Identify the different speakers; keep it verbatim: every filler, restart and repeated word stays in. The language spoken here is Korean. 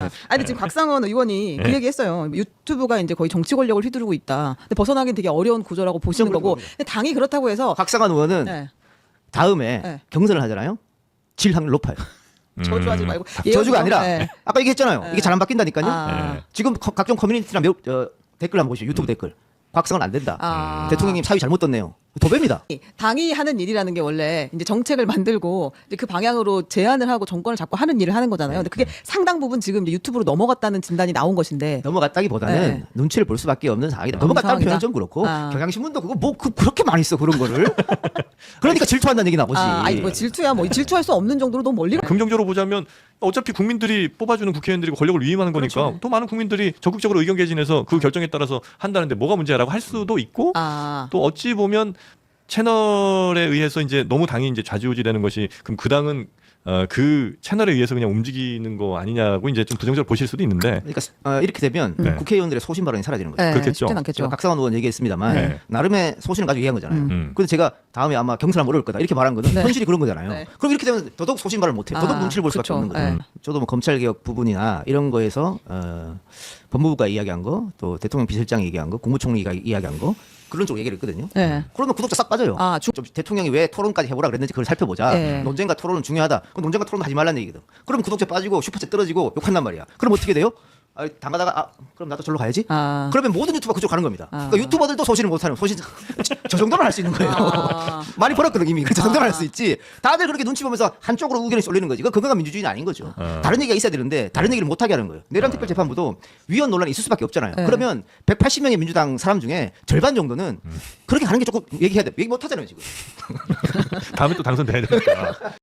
Speaker 1: 아니 지금 곽상원 의원이 그
Speaker 2: 네.
Speaker 1: 얘기했어요. 유튜브가 이제 거의 정치 권력을 휘두르고 있다. 근데 벗어나긴 되게 어려운 구조라고 보시는 거고. 근데 당이 그렇다고 해서
Speaker 3: 곽상원 의원은
Speaker 1: 네.
Speaker 3: 다음에
Speaker 1: 네.
Speaker 3: 경선을 하잖아요. 질 확률 높아요.
Speaker 1: 저주하지 말고
Speaker 3: 저주가 아니라
Speaker 1: 네.
Speaker 3: 아까 얘기했잖아요.
Speaker 1: 네.
Speaker 3: 이게 잘 안 바뀐다니까요.
Speaker 1: 아.
Speaker 2: 네.
Speaker 3: 지금 거- 각종 커뮤니티나 몇, 어, 댓글 한번 보시죠. 유튜브
Speaker 2: 음.
Speaker 3: 댓글. 곽상원 안 된다.
Speaker 1: 아.
Speaker 3: 대통령님 사위 잘못 떴네요. 도배입니다.
Speaker 1: 당이 하는 일이라는 게 원래 이제 정책을 만들고 이제 그 방향으로 제안을 하고 정권을 잡고 하는 일을 하는 거잖아요. 근데 그게 상당 부분 지금 이제 유튜브로 넘어갔다는 진단이 나온 것인데.
Speaker 3: 넘어갔다기보다는
Speaker 1: 네.
Speaker 3: 눈치를 볼 수밖에 없는 상황이다.
Speaker 1: 음,
Speaker 3: 넘어갔다는
Speaker 1: 상황이다.
Speaker 3: 표현은 좀 그렇고
Speaker 1: 아.
Speaker 3: 경향신문도 그거 뭐 그, 그렇게 많이 써 그런 거를. 그러니까 질투한다는 얘기 나오지.
Speaker 1: 아, 아니 뭐 질투야 뭐 질투할 수 없는 정도로 너무 멀리 가.
Speaker 2: 긍정적으로 보자면 어차피 국민들이 뽑아주는 국회의원들이 권력을 위임하는 거니까
Speaker 1: 그렇죠.
Speaker 2: 또 많은 국민들이 적극적으로 의견 개진해서 그 결정에 따라서 한다는데 뭐가 문제라고 할 수도 있고
Speaker 1: 아.
Speaker 2: 또 어찌 보면 채널에 의해서 이제 너무 당이 이제 좌지우지되는 것이 그럼 그 당은 어, 그 채널에 의해서 그냥 움직이는 거 아니냐고 이제 좀 부정적으로 보실 수도 있는데
Speaker 3: 그러니까 어, 이렇게 되면
Speaker 2: 네.
Speaker 3: 국회의원들의 소신 발언이 사라지는 거죠.
Speaker 1: 네,
Speaker 2: 그렇겠죠.
Speaker 1: 쉽진 않겠죠.
Speaker 3: 제가 각상원 의원 얘기했습니다만
Speaker 2: 네.
Speaker 3: 나름의 소신을 가지고 얘기한 거잖아요.
Speaker 2: 음.
Speaker 3: 근데 제가 다음에 아마 경선하면 어려울 거다 이렇게 말한 거는
Speaker 1: 네.
Speaker 3: 현실이 그런 거잖아요.
Speaker 1: 네.
Speaker 3: 그럼 이렇게 되면 더더욱 소신 발언을 못해. 더더욱
Speaker 1: 아,
Speaker 3: 눈치를 볼 수밖에
Speaker 1: 그쵸.
Speaker 3: 없는 거죠.
Speaker 1: 네.
Speaker 3: 저도 뭐 검찰개혁 부분이나 이런 거에서 어, 법무부가 이야기한 거, 또 대통령 비서실장이 얘기한 거, 국무총리가 이야기한 거 그런 쪽 얘기를 했거든요.
Speaker 1: 네.
Speaker 3: 그러면 구독자 싹 빠져요.
Speaker 1: 아, 중-
Speaker 3: 좀 대통령이 왜 토론까지 해보라 그랬는지 그걸 살펴보자.
Speaker 1: 네.
Speaker 3: 논쟁과 토론은 중요하다. 그럼 논쟁과 토론 하지 말라는 얘기거든. 그럼 구독자 빠지고 슈퍼챗 떨어지고 욕한단 말이야. 그럼 어떻게 돼요? 아, 당하다가 아 그럼 나도 절로 가야지.
Speaker 1: 아.
Speaker 3: 그러면 모든 유튜버 그쪽 가는 겁니다.
Speaker 1: 아.
Speaker 3: 그러니까 유튜버들도 소신을 못하는 소신 저 정도는 할 수 있는 거예요.
Speaker 1: 아.
Speaker 3: 많이 벌었거든 이미. 저 정도는 할 수 있지. 다들 그렇게 눈치 보면서 한쪽으로 의견이 쏠리는 거지. 그 건강한 민주주의는 아닌 거죠.
Speaker 2: 아.
Speaker 3: 다른 얘기가 있어야 되는데 다른 얘기를 못 하게 하는 거예요. 내란 특별 재판부도 위헌 논란이 있을 수밖에 없잖아요.
Speaker 1: 네.
Speaker 3: 그러면 백팔십 명의 민주당 사람 중에 절반 정도는 그렇게 가는 게 조금 얘기해야 돼. 얘기 못 하잖아요 지금.
Speaker 2: 다음에 또 당선돼야 되니까